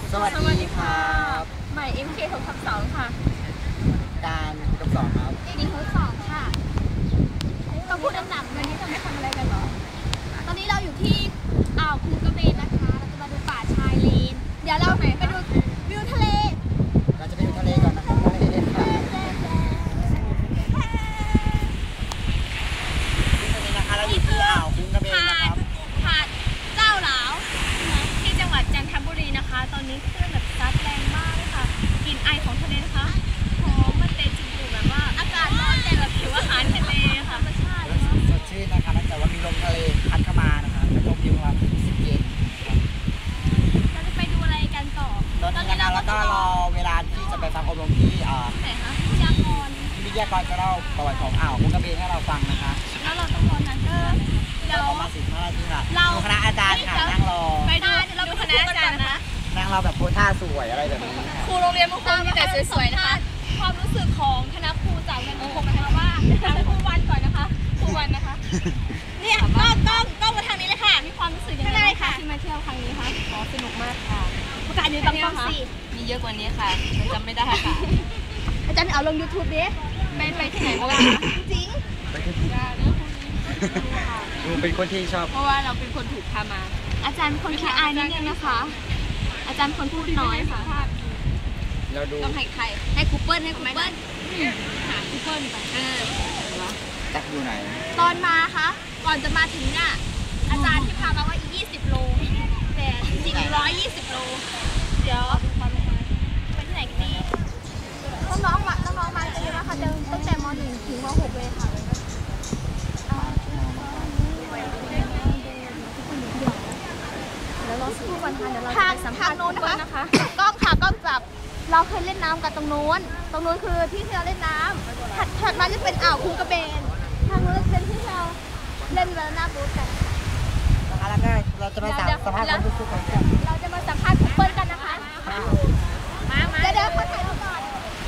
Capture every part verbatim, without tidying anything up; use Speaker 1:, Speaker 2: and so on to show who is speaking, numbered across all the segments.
Speaker 1: สวัสดีครับ
Speaker 2: ใหม่ เอ็ม เค หกทับสองค่ะ
Speaker 1: การกับสองครับ
Speaker 2: ดีทดสอบค่ะเราพูดหนักๆวันนี้จะไม่ทำอะไรกันหรอตอนนี้เราอยู่ที่อ่าวคูกระเบนนะคะเราจะมาดูป่าชายเลนเดี๋ยวเราไปดูวิวทะเล
Speaker 1: เราจะไปดูทะเลก่อนนะครับทะเลครับที่ตรงนี้นะคะเราอยู่ที่อ่าวคูกระเบนนะครับ
Speaker 2: หาดเจ้าหลาวที่จังหวัดจันทบุรีนะคะตอนนี้คลื่นแบบซัดแรงมากเลยค่ะกลิ่นไอของทะเลนะคะหอมมันเตะจมูกแบบว่าอากาศร้อนแต่แบบผิวอาหารทะเลค่ะธรรมชาติ
Speaker 1: สดชื่นนะคะเนื่องจากว่ามีลมทะเลพัดเข้ามานะคะจะลมวิวมาสิบเย็น
Speaker 2: เราจะไปดูอะไรกันต่อ
Speaker 1: ตอนนี้นะคะแล้วก็รอเวลาที่จะไปฟังอบรมที่อ่า
Speaker 2: ไหนคะวิทยากร
Speaker 1: ที่วิทยากรจะเล่าประวัติของอ่าวคูกระเบนให้เราฟังนะคะ
Speaker 2: แล้วเราต้องรอนานเออ
Speaker 1: เดี๋ยวประมาณสิบห้านาทีค่ะดูคณะอาจารย์ค่ะนั่งรอ
Speaker 2: ไปดูเราดูคณะอาจารย์นะ
Speaker 1: นั่งรอแบบโพสท่าสวยอะไรแบบนี้
Speaker 2: ครูโรงเรียนมุกคงมีแต่สวยๆนะคะความรู้สึกของคณะครูจากโรงเรียนมุกคงนะคะว่าครูวันก่อนนะคะครูวันนะคะเนี่ยกล้องกล้องกล้องมาทางนี้เลยค่ะมีความรู้สึกยังไงคะที่มาเที่ยวครั้งนี้คะ
Speaker 3: อ๋อสนุกมากค่ะ
Speaker 2: ประกาศอยู่ตรงๆสิ
Speaker 3: มีเยอะกว่านี้ค่ะจำไม่ได้ค่ะ
Speaker 2: อาจารย์เอาลง ยูทูบ ดิไปไปที่ไหนบ้างจริง
Speaker 1: เป็นคนที่ชอบ
Speaker 3: เพราะว่าเราเป็นคนถูกพามา
Speaker 2: อาจารย์คนขี้อายนิดนึงนะคะอาจารย์คนพูดน้อยค่ะ
Speaker 1: เราดู
Speaker 2: ต้องให้ใครให้คูเปิลให้คูเปิลหาคูเปิลไปเออ
Speaker 1: จักอยู่ไหน
Speaker 2: ตอนมาคะก่อนจะมาถึงเนี่ยอาจารย์ที่พามาว่าอีกยี่สิบโลแต่จริงๆหนึ่งร้อยยี่สิบโลเดี๋ยวไปที่ไหนกันดีน้องๆมาน้องๆมาเยอะนะคะเดินตั้งแต่ม หนึ่ง ถึงม หก เลยค่ะทางทางโน้นนะคะกล้องค่ะกล้องจับเราเคยเล่นน้ำกันตรงโน้นตรงโน้นคือที่เราเล่นน้ำถัดถัดมาจะเป็นอ่าวคูกระเบนทางโน้นเป็นที่เราเล่นแล้วน้ำบู๊กัน
Speaker 1: นะคะแล้วก็เราจะมาสัมภาษณ์ความรู้สึกของ
Speaker 2: เราจะมาสัมภาษณ์คูเปิลกันนะคะมามาเดี๋ยวเดี๋ยวขอถ่ายรูปก่อน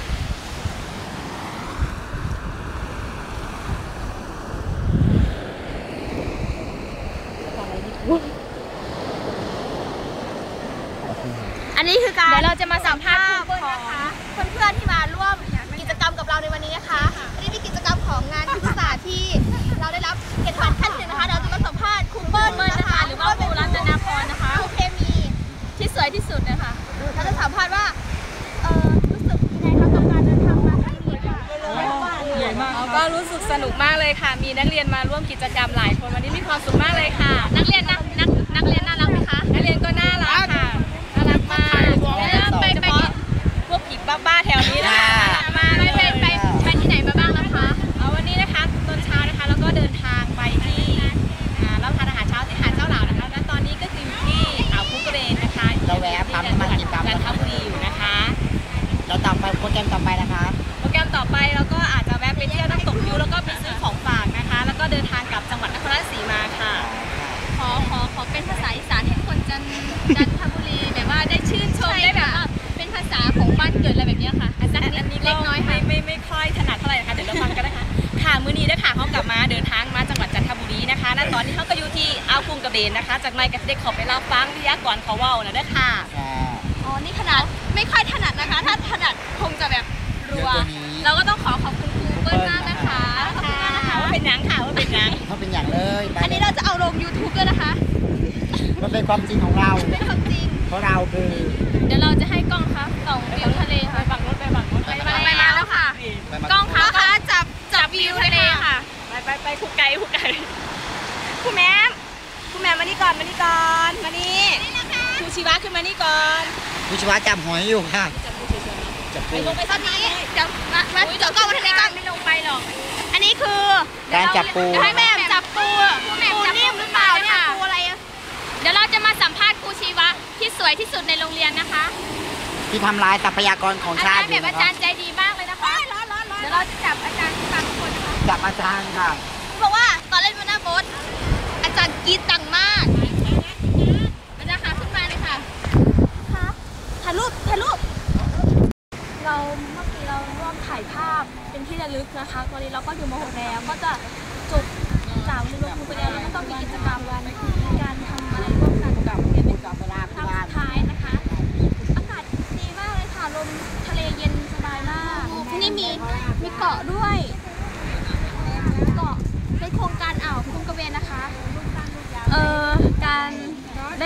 Speaker 2: อันนี้คือการเดี๋ยวเราจะมาสัมภาษณ์นะคะเพื่อนๆที่มาร่วมกิจกรรมกับเราในวันนี้นะคะอันนี้เป็นกิจกรรมของงานศึกษาที่เราได้รับเกียรติบัตรขั้นหนึ่งนะคะเราจะมาสัมภาษณ์ครูเปิ้ลนะคะหรือว่าครูรัตนาพรนะคะครูเคมีที่สวยที่สุดนะคะเราจะสัมภาษณ์ว่าเออรู้สึกยังไงคะกับการเดินทางมาครั้งนี้ค่ะ
Speaker 3: ใหญ่มากก็รู้สึกสนุกมากเลยค่ะมีนักเรียนมาร่วมกิจกรรมหลายคนวันนี้มีความสุขมากเลยค่ะ
Speaker 2: นักเรียนนักนักนักเรียนน่ารักไหมคะ
Speaker 3: นักเรียนก็น่ารักค่ะน่ารักมาก
Speaker 2: ไปไป
Speaker 3: พวกผีบ้าๆแถวนี้นะคะ
Speaker 2: มาไปไปไปไปที่ไหนมาบ้างแล้วคะ
Speaker 3: เอาวันนี้นะคะตอนเช้านะคะแล้วก็เดินทางไปที่รับประทานอาหารเช้าที่หาดเจ้าหลาวนะคะและตอนนี้ก็คืออยู่ที่อ่าวคูกระเบนนะคะ
Speaker 1: เราแวะพักมากินกัน
Speaker 3: จันทบุรีอยู่นะคะ
Speaker 1: เราต่อไปโปรแกรมต่อไปนะคะ
Speaker 3: โปรแกรมต่อไปเราก็อาจจะแวะไปเที่ยวน้ำตกยูแล้วก็ไปซื้อของฝากนะคะแล้วก็เดินทางกลับจังหวัดนครราชสีมาค่ะ
Speaker 2: ขอขอขอเป็นภาษาอีสานให้คนจันจันทบุรีแบบว่าได้ชื่นชมได้แบบว่าเป็นภาษาของบ้านเกิดอะไรแบบนี้ค่ะอาจารย์อันนี้เล็กน้อย
Speaker 3: ไม่ไม่ไม่ค่อยถนัดเท่าไหร่นะคะเดี๋ยวเราฟังกันนะคะค่ะมื้อนี้นะคะเขากลับมาเดินทางมาจังหวัดจันทบุรีนะคะณตอนนี้เขาก็อยู่ที่อ่าวคูกระเบนนะคะจากนายกับเด็กขอไปรับฟังวิทยากรเขาเว้านะด้วยค่ะ
Speaker 2: อ๋อนี่ขนาดไม่ค่อยถนัดนะคะถ้าถนัดคงจะแบบรัวเราก็ต้องขอขอบคุณครูเปิ้ลมากนะคะขอบคุณมากนะคะ
Speaker 3: ว่าเป็นยังค่ะว่าเป็นยัง
Speaker 1: เขาเป็นอย่างเลย
Speaker 2: อันนี้เราจะเอาลง ยูทูบ ด้วยนะคะ
Speaker 1: มันเป็นความจริงของเรา
Speaker 2: เป็นความจริง
Speaker 1: เพราะเราคือ
Speaker 2: เดี๋ยวเราจะให้กล้องคะส่องวิวทะเลค่ะ
Speaker 3: ไปฝั่งนู้นไปฝั่งนู้น
Speaker 2: ไปไปมาแล้วค่ะกล้องคะคะจับจับวิวทะเลค่ะ
Speaker 3: ไปไปไปคู่ไก่คู่ไก่
Speaker 2: คู่แม่คู่แม่มานี่ก่อนมานี่ก่อนมานี่ครูชีวะขึ้นมานี่ก่อน
Speaker 1: ครูชีวะจับหอยอยู่ค่ะ
Speaker 2: จับไปลงไปตอนนี้จับมามาจับกล้องมาทะเลก่อน
Speaker 3: ไม่ลงไปหรอก
Speaker 2: อันนี้คือ
Speaker 1: การจับปู
Speaker 2: ให้แม่จับปูปูนิ่มหรือเปล่าเนี่ยปูอะไรเดี๋ยวเราจะมาสัมภาษณ์ครูชีวะที่สวยที่สุดในโรงเรียนนะคะ
Speaker 1: ที่ทำลายทรัพยากรของชาติ
Speaker 2: แบบอาจารย์ใจดีมากเลยนะคะเดี๋ยวเราจะจับอาจารย์บางคนนะคะ
Speaker 1: จับอาจารย์ค่ะ
Speaker 2: เพราะว่าตอนเล่นมาหน้าโบ๊ทอาจารย์กรี๊ดดังมากอาจารย์ค่ะขึ้นมาเลยค่ะค่ะถ่ายรูปถ่ายรูปเราเมื่อกี้เราร่วมถ่ายภาพเป็นที่ระลึกนะคะตอนนี้เราก็อยู่ม หก แล้วก็จะจบจากเรียนรู้ไปแล้วแล้วก็ต้องมีกิจกรรมวันการทำอะไรร่วมกันกับเรียนกับเวลาครั้งสุดท้ายนะคะ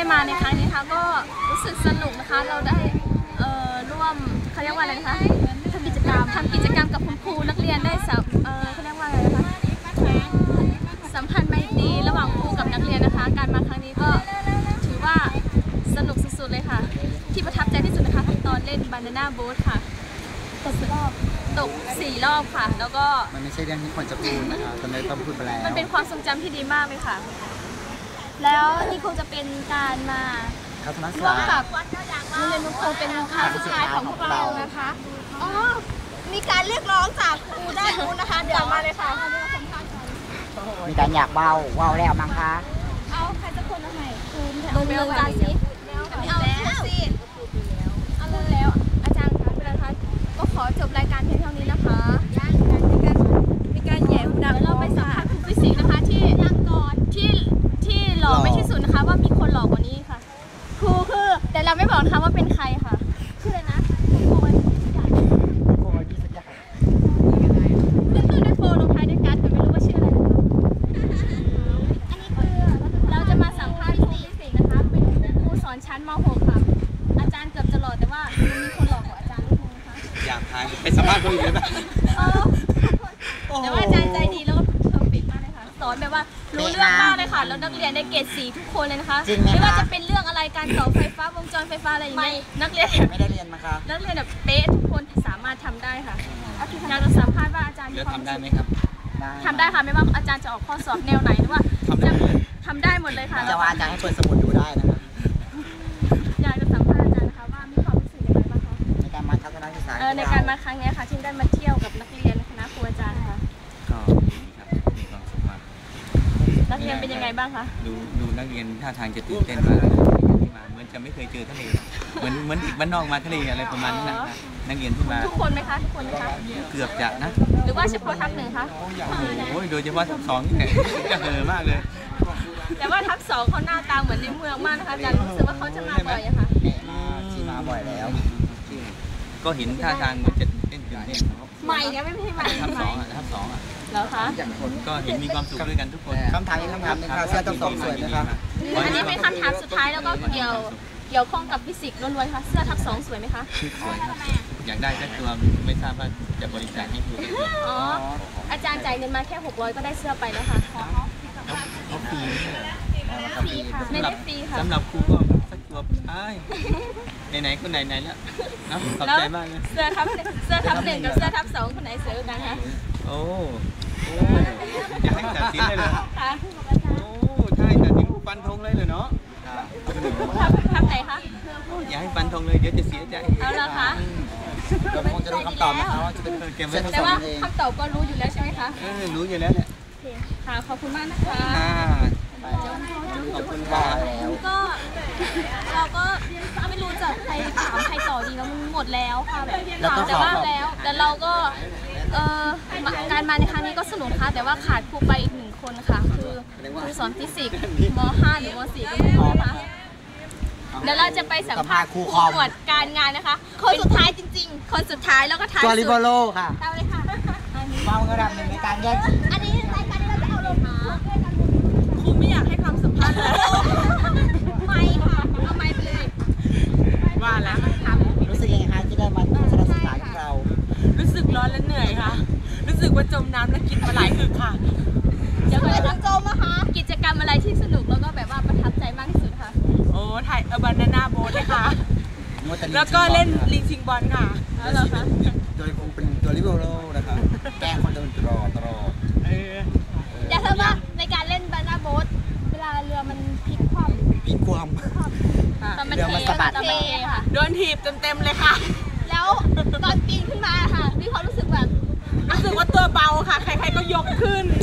Speaker 2: ได้มาในครั้งนี้นะคะก็รู้สึกสนุกนะคะเราได้เอ่อร่วมเขาเรียกว่าอะไรนะคะทำกิจกรรมทำกิจกรรมกับคุณครูนักเรียนได้สัมเอ่อเขาเรียกว่าอะไรนะคะสัมพันธ์ไมตรีระหว่างครูกับนักเรียนนะคะการมาครั้งนี้ก็ถือว่าสนุกสุดๆเลยค่ะที่ประทับใจที่สุดนะคะตอนเล่นบานาน่าโบ๊ทค่ะตกรอบตกสี่รอบค่ะแล้วก็
Speaker 1: มันไม่ใช่เรื่องที่ควรจะพูดนะคะตอนนี้ต้องพูดไปแล้ว
Speaker 2: มันเป็นความทรงจำที่ดีมากเลยค่ะแล้วนี่คงจะเป็นการมาร่วมกับโรงเรียนนุคงเป็นครั้งสุดท้ายของพวกเรานะคะอ๋อมีการเรียกร้องจากครูด้านนู้นนะคะเดี๋ยวมาเลยค่ะ
Speaker 1: มีการอยากเบาเบาแล้วมั้งคะ
Speaker 2: เอาใครจะคนเอาไหนคุณลงเรือกันสิไม่เอาแล้วสิเอาเลยแล้วอาจารย์คะเวลาคะก็ขอจบรายการเพียงเท่านี้นะคะมีการแย่หูดังเราไปสัมภาษณ์ครูฟิสิกส์นะคะที่ยังก่อนที่ที่หล่อไม่ที่สุดนะคะว่ามีคนหล่อกว่านี้ค่ะครูคือแต่เราไม่บอกนะคะว่าเป็นใครค่ะชื่ออะไรนะโคย
Speaker 1: โคยที่สักอย่าง
Speaker 2: ขึ้นต้นด้วยโฟลงท้ายด้วยกัสแต่ไม่รู้ว่าชื่ออะไรนะคะอันนี้คือเราจะมาสัมภาษณ์ครูฟิสิกส์นะคะเป็นครูสอนชั้นม หก ค่ะอาจารย์เกือบจะหล่อแต่ว่ามีคนหล่อกว่าอาจารย์นิดนึงนะคะ
Speaker 1: อยากทายไปสัมภาษณ์คนอื่นเลยนะ
Speaker 2: แต่ว่าอาจารย์ใจดีแล้วก็เพอร์เฟกต์มากเลยค่ะสอนแบบว่ารู้เรื่องมากเลยค่ะแล้วนักเรียนได้เกรดสี่ทุกคนเลยนะคะไม่ว่าจะเป็นเรื่องอะไรการต่อไฟฟ้าวงจรไฟฟ้าอะไรอย่างเงี้ยนักเรียน
Speaker 1: ไม่ได้เรียนมาครับ
Speaker 2: นักเรียนแบบเป๊ะทุกคนสามารถทำได้ค่ะอยากจะสัมภาษณ์ว่าอาจารย์
Speaker 1: ทำได้ไหมครับ
Speaker 2: ทำได้ค่ะไม่ว่าอาจารย์จะออกข้อสอบแนวไหนหรือว่าจะทำได้หมดเลยค่ะ
Speaker 1: จะว่าอาจารย์ให้เปิดสมุดดูได้นะครับ
Speaker 2: อยากจะสัมภาษณ์อาจารย์นะคะว่ามีความรู้สึกยังไงบ้างคะ
Speaker 1: ในการมาทัศนศึกษา
Speaker 2: ในการมาครั้งนี้ค่ะที่ได้มาเที่ยวกับนักเรียนคณะครูอาจารย์ค่ะ
Speaker 4: ก็มีความสุขมาก
Speaker 2: นักเรียนเป็นยังไงบ้างคะ
Speaker 4: ดูดูนักเรียนท่าทางจะตื่นเต้นมากมาเหมือนจะไม่เคยเจอทะเลเหมือนเหมือนอีกบ้านนอกมาทะเลอะไรประมาณนั้นนะนักเรียนที่มา
Speaker 2: ทุกคนไหมคะทุกคนไหมคะ
Speaker 4: เกือบจะนะ
Speaker 2: หรือว่าเฉพาะทัพหนึ่งคะ
Speaker 4: โอ้ยโดยเฉพาะทัพสองนี่แหละจะเหอมากเลย
Speaker 2: แต่ว่าทัพสองเขาหน้าตาเหมือนในเมืองมากนะคะอาจารย์รู้สึกว่าเขาจะมาบ่อยอะค่ะ
Speaker 1: ที่มาบ่อยแล้ว
Speaker 4: ก็เห็นท่าทางมันจะเต้นตื่นเต้น
Speaker 2: ใหม่เนี่ยไม่ใช่ใหม่
Speaker 4: ทัพสองอ่ะทัพสองอ่ะ
Speaker 2: แล้วคะ
Speaker 4: ก็เห็นมีความสุขด้วยกันทุกคน
Speaker 1: คำถามนี้คำถามนึงค่ะเสื้อทัพสองสวยไหมครับ
Speaker 2: อันนี้เป็นคำถามสุดท้ายแล้วก็เกี่ยวเกี่ยวข้องกับฟิสิกส์ล้วนๆค่ะเสื้อทับสองสวยไหมคะ
Speaker 4: สวยอยากได้สักตัวไม่ทราบว่าจะบริจาคให้ครู
Speaker 2: อ๋ออาจารย์จ่ายเงินมาแค่หกร้อยก็ได้เสื้อไปแล้วค่ะ
Speaker 4: เขาฟรี
Speaker 2: ฟรีค่ะไม่ได้ฟรีค่ะ
Speaker 4: สำหรับครูก็สักตัวใช่ไหนๆก็ไหนๆแล้วนะขอบใจมากเลย
Speaker 2: เสื้อทับเสื้อทับหนึ่งกับเสื้อทับสองคนไหนสวยกันคะ
Speaker 4: โอ้โอ้อยากให้ตัดสินเลยเหรอโอ้ใช่ตัดสินฟันธงเลยเลยเนาะ
Speaker 2: ทับไหนคะ
Speaker 4: อย่าให้ฟันธงเลยเดี๋ยวจะเสียใจ
Speaker 2: เอาละคะ
Speaker 1: เราคงจะรู้คำตอบนะคะว่าจะเป็นเกม
Speaker 2: แต่ว่าคำตอบก็รู้อยู่แล้วใช่ไหมคะ
Speaker 4: รู้อยู่แล้วแหละ
Speaker 2: ค่ะขอบคุณมากนะคะ
Speaker 1: ขอบคุณค่ะ
Speaker 2: ก็เราก็ไม่รู้จะใครถามใครต่อดีแล้วมันหมดแล้วค่ะแบบถามแต่ว่าแล้วแต่เราก็เอ่อการมาในครั้งนี้ก็สนุกค่ะแต่ว่าขาดครูไปอีกหนึ่งคนค่ะคือครูสอนฟิสิกส์ม.ห้า หรือม.สี่ ก็ไม่รู้นะคะเดี๋ยวเราจะไปสัมภาษณ์ครูตรวจการงานนะคะคนสุดท้ายจริงๆคนสุดท้ายแล้วก็ท้ายสุด
Speaker 1: ตัวริโบโลค่ะ
Speaker 2: ตามเลยค่ะ
Speaker 1: เมาระดับหนึ่งในการแยก
Speaker 2: อันนี้รายการที่เราจะเอาลงมาครูไม่อยากให้คำสัมภาษณ์เลยไม่ค่ะเอาไม่ไปเลย
Speaker 5: ว่าแล้ว
Speaker 1: รู้สึกยังไงคะที่ได้มาทัศนศึกษาของเรา
Speaker 5: รู้สึกร้อนและเหนื่อยค่ะรู้สึกว่าจมน้ำและกินมาหลายอึกค่ะ
Speaker 2: เดี๋ยวเราจะจมนะคะกิจกรรมอะไรที่สนุกแล้วก็แบบว่าประทับใจมากที่สุดค่ะ
Speaker 5: โอ้ถ่ายเออร์บานาน่าโบ๊ทเลยค่ะแล้วก็เล่นลิงชิงบอลค่ะ
Speaker 2: แล้วเหรอคะ
Speaker 1: โดยคงเป็นตัวริโบโลนะคะแกล้งคนเดินตลอดตลอด
Speaker 2: อยากทราบว่าในการเล่นบานาน่าโบ๊ทเวลาเรือมันพลิกคว่ำ
Speaker 1: พลิกคว่ำ
Speaker 2: ตอนมันเทค่ะ
Speaker 5: โดนถีบเต็มๆเลยค่ะ
Speaker 2: แล้วตอนปีนขึ้นมาค่ะมีความรู้สึกแบบ
Speaker 5: รู้สึกว่าตัวเบาค่ะใครๆก็ยกขึ้น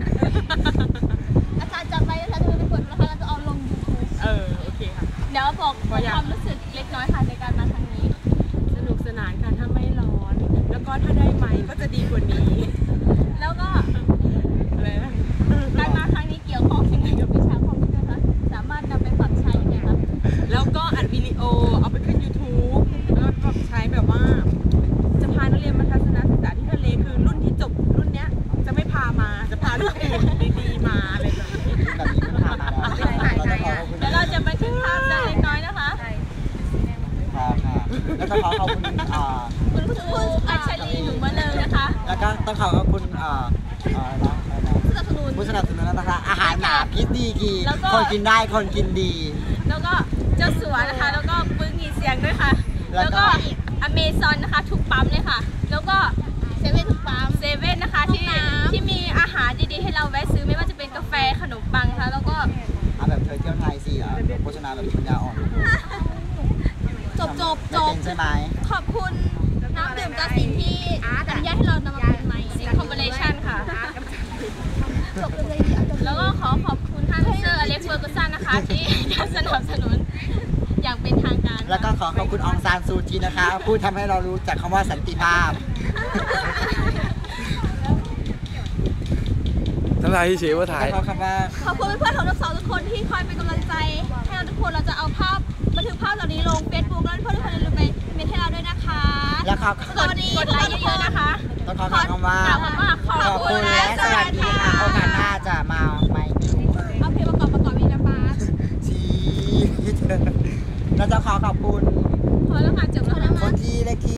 Speaker 2: อาจารย์จัดไปอาจารย์จะไปกดนะคะเราจะเอาลงยูทูบ
Speaker 5: เออโอเคค่ะ
Speaker 2: เดี๋ยวบอกความรู้สึกเล็กน้อยค่ะในการมาครั้งนี้
Speaker 5: สนุกสนานค่ะถ้าไม่ร้อนแล้วก็ถ้าได้ไมค์ก็จะดีกว่านี้
Speaker 2: แล้วก็การมาครั้งนี้เกี่ยวข้องยังไงกับวิชาคอมพิวเตอร์คะสามารถนำไปปรับใช้ยังไงคะ
Speaker 5: แล้วก็อัดวิดีโอเอาไปขึ้น ยูทูบ แล้วก็ใช้แบบว่าจะพานักเรียนมาทัศนศึกษาที่ทะเลคือรุ่นที่จบรุ่นเนี้ยจะไม่พามาจะพารุ่นอื่นดีๆมาอะไรแบบนี้
Speaker 1: แบบนี้มันพามาแล้ว
Speaker 2: เดี๋ยวเราจะไปขึ้นภาพ
Speaker 1: ต้องขอขอบคุณอ่า
Speaker 2: คุณผู้ชมอัญชลีหนูมาเลยนะคะ
Speaker 1: แล้วก็ต้องขอขอบคุณอ่าอ่าอะไรนะ
Speaker 2: สนับสนุน
Speaker 1: ผู้สนับสนุนนะคะอาหารหมาพิษดีกี
Speaker 5: แล้วก็
Speaker 1: คนกินได้คนกินดี
Speaker 5: แล้วก็เจ้าสัวนะคะ แล้วก็ปึ้งมีเสียงด้วยค่ะ
Speaker 1: แล้
Speaker 5: แล้ว ว
Speaker 1: ก็
Speaker 5: ก็อเมซอนนะคะทุกปั๊มเลยค่ะ แล้วก็
Speaker 2: เซเว่นทุกปั๊ม
Speaker 5: เซเว่นนะคะที่
Speaker 2: ห้องน้ำ
Speaker 5: ที่มีอาหารดีๆให้เราแวะซื้อไม่ว่าจะเป็นกาแฟขนมปังค่ะแล้วก็
Speaker 1: เอาแบบเธอเที่ยวไทยสิอ่ะโฆษณาแบบปัญญาอ่อน
Speaker 2: จบจบจ
Speaker 1: ไม่
Speaker 2: บ
Speaker 1: เป็นใช่ไหม
Speaker 2: ขอบคุณน้ำดื่มกาสินที่อนุญาตให้เรานำมาเป็นใหม่
Speaker 5: ซิงคอมเบเลชันค่ะ
Speaker 2: จบเลยเอาจบ
Speaker 5: แล้วก็ขอขอบคุณท่านเซอร์อเล็กซ์เฟอร์กูสันนะคะ ที่สนับสนุนอย่างเป็นทางการ
Speaker 1: แล้วก็ขอขอบคุณองซานซูจีนะคะผู้ทำให้เรารู้จักคำว่าสันติภาพ
Speaker 6: น้ำลายที่เชฟว่าถ่าย
Speaker 1: แล้วก็คำว่า
Speaker 2: ขอบคุณเพื่อนๆของทั้งสองทุกคนที่คอยเป็นกำลังใจให้เราทุกคนเราจะเอาภาพบันทึกภาพเหล่านี้ลง Facebook แล้วเพื่อนๆทุกคนอย่าลืมไปเมนให้เราด้วยนะคะ
Speaker 1: แล้วขอ
Speaker 2: สวัสดี
Speaker 5: กดไลค์เยอะๆนะคะ
Speaker 1: ต้องขอคำว่า
Speaker 5: กล่าวคำว่าขอบ
Speaker 1: ขอบ
Speaker 5: คุ
Speaker 1: คุณ ณและสวัสดีค่ะโอกาสหน้า